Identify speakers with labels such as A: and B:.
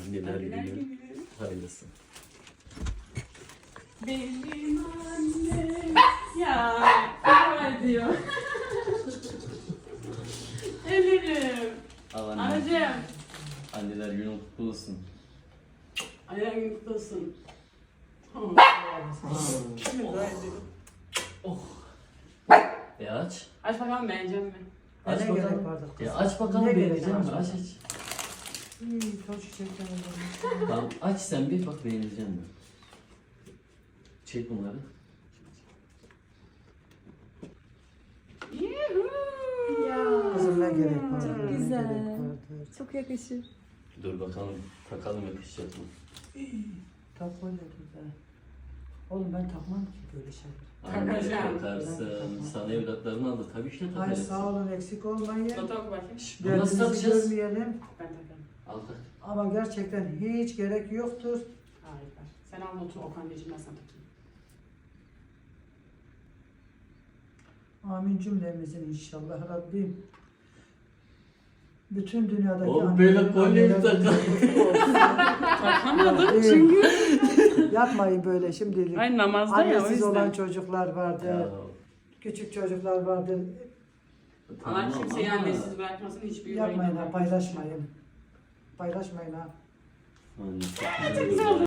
A: Anneler günü. Hayırlısı.
B: Benim annem ya var diyor. Ellerim.
A: Al anne.
B: Anacığım.
A: Anneler günü kutlu olsun.
B: Ayağın günü kutlu olsun.
A: Aç.
B: Aç bakalım beğenecek mi?
A: Aç
C: Ne gerek
A: bakalım.
C: vardı kız?
A: Aç bakalım
C: Ne gerek
A: beğenecek mi?
C: var?
A: Aç aç.
C: Çok çiçekler var.
A: Tamam aç sen bir bak beğenecek mi? Çek bunları.
B: Yuhuu.
C: Kızım ne gerek var?
D: Çok
C: ne
D: güzel.
C: gerek vardı?
D: Çok yakışır.
A: Dur bakalım takalım yakışacak mı?
C: Takma ne güzel. Oğlum ben takmam ki böyle şeyler.
B: Takacağım.
A: Takarsın. Sana evlatlarını aldı. Tabii işte
C: Ay
A: takarsın.
C: sağ olun eksik olmayın.
B: Fotoğraf bakayım.
A: Bunu nasıl
C: Derdinizi
A: takacağız?
C: görmeyelim.
B: Ben takarım.
A: Al tak.
C: Ama gerçekten hiç gerek yoktur.
B: Harika. Sen al notu Okan diyeceğim ben sana takayım.
C: Amin cümlemizin inşallah Rabbim. Bütün dünyadaki
A: Oğlum böyle kolyeyi takar.
B: Takamadım
C: çünkü. Yapmayın böyle şimdilik.
B: Ay namazda ya o
C: Annesiz olan
B: yüzden.
C: çocuklar vardır. Küçük çocuklar vardır.
B: Allah
A: Tamam
B: kimseyi
A: ama-
B: annesiz bırakmasın hiçbir
C: Yapmayın
B: yüreğine
C: ha, paylaşmayın. Paylaşmayın ha.
A: Anne,
B: Çok güzel oldu.